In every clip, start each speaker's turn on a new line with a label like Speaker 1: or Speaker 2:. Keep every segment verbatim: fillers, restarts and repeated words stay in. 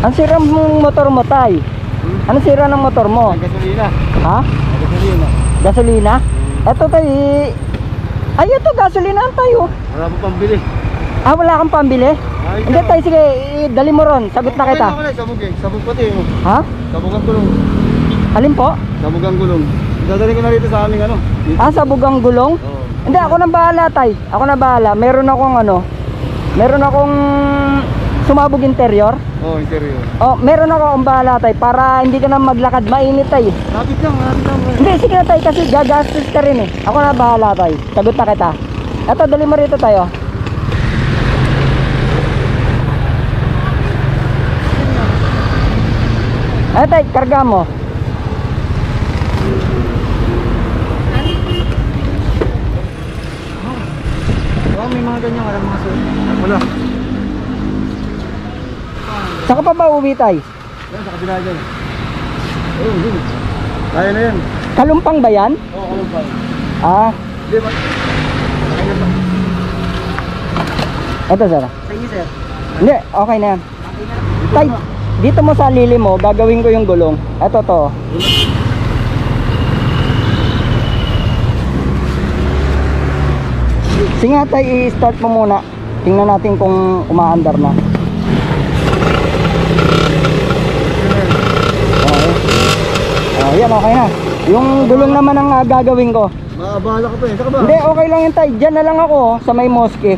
Speaker 1: Ang sira mong motor mo, tay?
Speaker 2: Hmm?
Speaker 1: Ano sira ng motor mo?
Speaker 2: Ang gasolina.
Speaker 1: Ha?
Speaker 2: Ang gasolina.
Speaker 1: Gasolina?
Speaker 2: Hmm.
Speaker 1: Eto tay. Ay, ito gasolina tayo.
Speaker 2: Wala po pambili.
Speaker 1: Ah, wala kang pambili?
Speaker 2: Ay,
Speaker 1: Hindi tay, sige, dali mo ron. Sagot na kita.
Speaker 2: Okay, okay, sabog eh. Sabog pati. Oh.
Speaker 1: Ha?
Speaker 2: Sabog ang gulong.
Speaker 1: Alin po?
Speaker 2: Sabog ang gulong. Dadali ko na rito sa aming ano. Dito.
Speaker 1: Ah, sa bugang gulong?
Speaker 2: Oo.
Speaker 1: Hindi, ako na bahala tay. Ako na bahala. Meron akong ano, meron akong sumabog interior.
Speaker 2: Oo, interior.
Speaker 1: Oh, meron ako ang bahala tay para hindi ka na maglakad, mainit tay.
Speaker 2: Lapit lang, lapit lang.
Speaker 1: Hindi, sige na tay kasi gagastos ka rin eh. Ako na bahala tay. Sagot na kita. Eto, dali mo rito tayo. Ay tay, karga mo.
Speaker 2: Oo, may mga ganyan. Walang mga sulit. Wala.
Speaker 1: Saan ka pa ba uwi tay?
Speaker 2: Yan, sa kabila dyan. Oo, yun. Kaya na yan.
Speaker 1: Kalumpang ba yan?
Speaker 2: Oo, kalong pa.
Speaker 1: Ah,
Speaker 2: Hindi ba? Kaya ba?
Speaker 1: eto sir.
Speaker 2: Sige, sir.
Speaker 1: Hindi, okay na yan. Tay, dito mo sa lili mo, gagawin ko yung gulong. Eto to. Sige nga tay, i-start mo muna. Tingnan natin kung umaandar na. Okay. Oh, yan, okay na. Yung gulong naman ang uh, gagawin ko.
Speaker 2: Maabala ka pa eh. Saka ba?
Speaker 1: Hindi, okay lang yun tay. Diyan na lang ako oh, sa may mosque.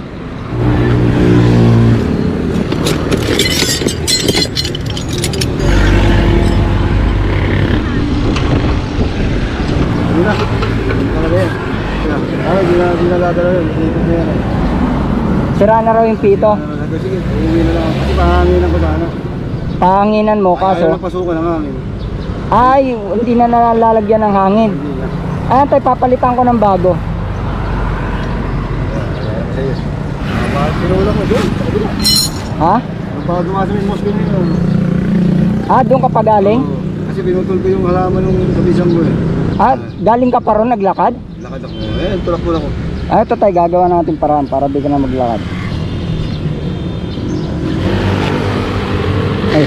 Speaker 2: Hindi na. Saka ba yan? Ay, di na, di na ladala yun. Dito na yan.
Speaker 1: Sira na raw yung pito.
Speaker 2: Ah, sige, uuwi na lang. Kasi pahanginan ko sana.
Speaker 1: Pahanginan mo
Speaker 2: Ayaw
Speaker 1: kaso.
Speaker 2: na pasukan ng hangin.
Speaker 1: Ay, hindi na nalalagyan ng hangin.
Speaker 2: Hindi na.
Speaker 1: Ah, tay, papalitan ko ng bago.
Speaker 2: Sige. Pinulang mo doon. Sa kabila.
Speaker 1: Ha?
Speaker 2: Bago nga sa may mosque nyo.
Speaker 1: Ah, doon ka pa galing?
Speaker 2: Oo. Kasi pinutol ko yung halaman ng kabisang ko eh.
Speaker 1: Ah, galing ka pa ron naglakad?
Speaker 2: Lakad ako. Eh, tulak-tulak ko.
Speaker 1: Ah, ito tayo, gagawa natin paraan para di ka na maglakad. Ay.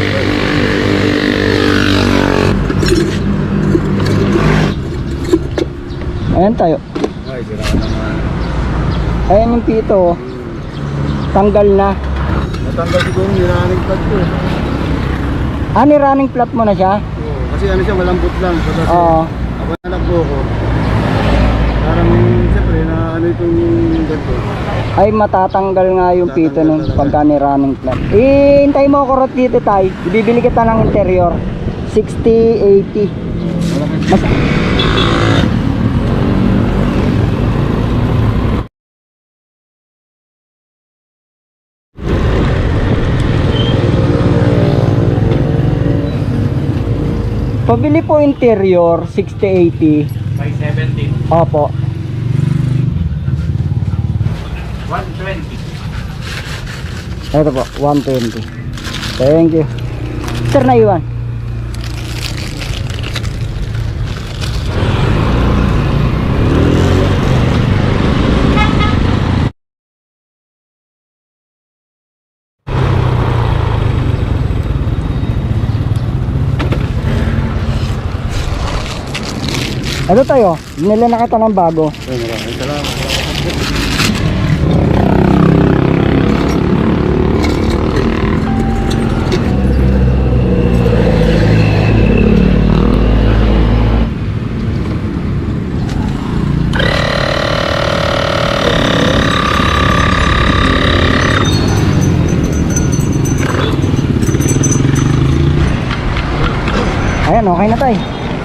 Speaker 1: Ayan tayo.
Speaker 2: Ay, sira ka naman.
Speaker 1: Ayan yung pito oh. Tanggal na.
Speaker 2: Natanggal siguro yung running pad ko eh.
Speaker 1: Ah, ni running flat mo na siya?
Speaker 2: Oo. Kasi ano siya, malambot lang. Kasi
Speaker 1: Oo.
Speaker 2: ako na nagbuko. Parang siyempre na ano itong ganito.
Speaker 1: Ay, matatanggal nga yung pito nun pagka ni running flat. Eh, hintay mo ako rot dito tayo. Bibili kita ng interior. sixty, eighty. Mas... Pabili po interior, sixty, eighty.
Speaker 3: By seventeen.
Speaker 1: Opo.
Speaker 3: one twenty.
Speaker 1: Ito po, one twenty. Thank you. Sir, naiwan. Ano tayo? Binili na kita ng bago.
Speaker 2: Ay, maraming salamat.
Speaker 1: Ayan, okay na tayo.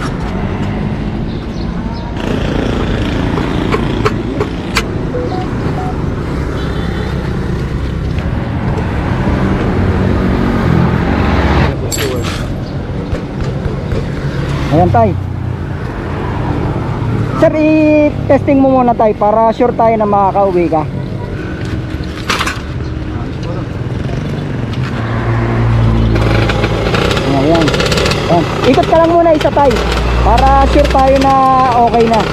Speaker 1: Ayan tay. Sir, i-testing mo muna tay para sure tayo na makakauwi ka. Ayan. Ayan. Ikot ka lang muna isa tay para sure tayo na okay na.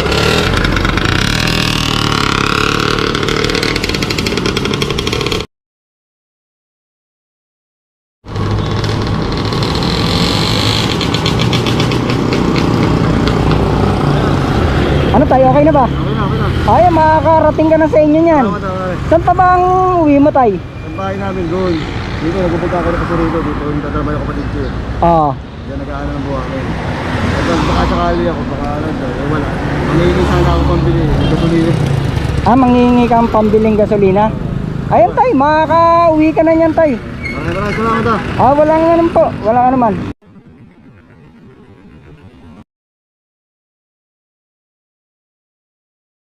Speaker 1: Ano tayo, okay na ba?
Speaker 2: Okay na, okay na.
Speaker 1: Ay, makakarating ka na sa inyo niyan.
Speaker 2: Salamat, salamat.
Speaker 1: Saan pa ba ang uwi mo, tay?
Speaker 2: Ang bahay namin doon. Dito, nagpupunta ako na kasi rito. Dito, yung tatrabaho yung kapatid ko eh.
Speaker 1: Oo.
Speaker 2: Diyan nag-aano ng buhangin. Ito, baka sakali ako, baka ano dyan. Eh, wala. Mangingi sana ako pambili. Ito tuloy.
Speaker 1: Ah, mangingi kang pambiling gasolina? Ayun, tay, makaka-uwi ka na niyan, tay.
Speaker 2: Maraming maraming salamat ah.
Speaker 1: Ah, wala nga naman po. Wala nga naman.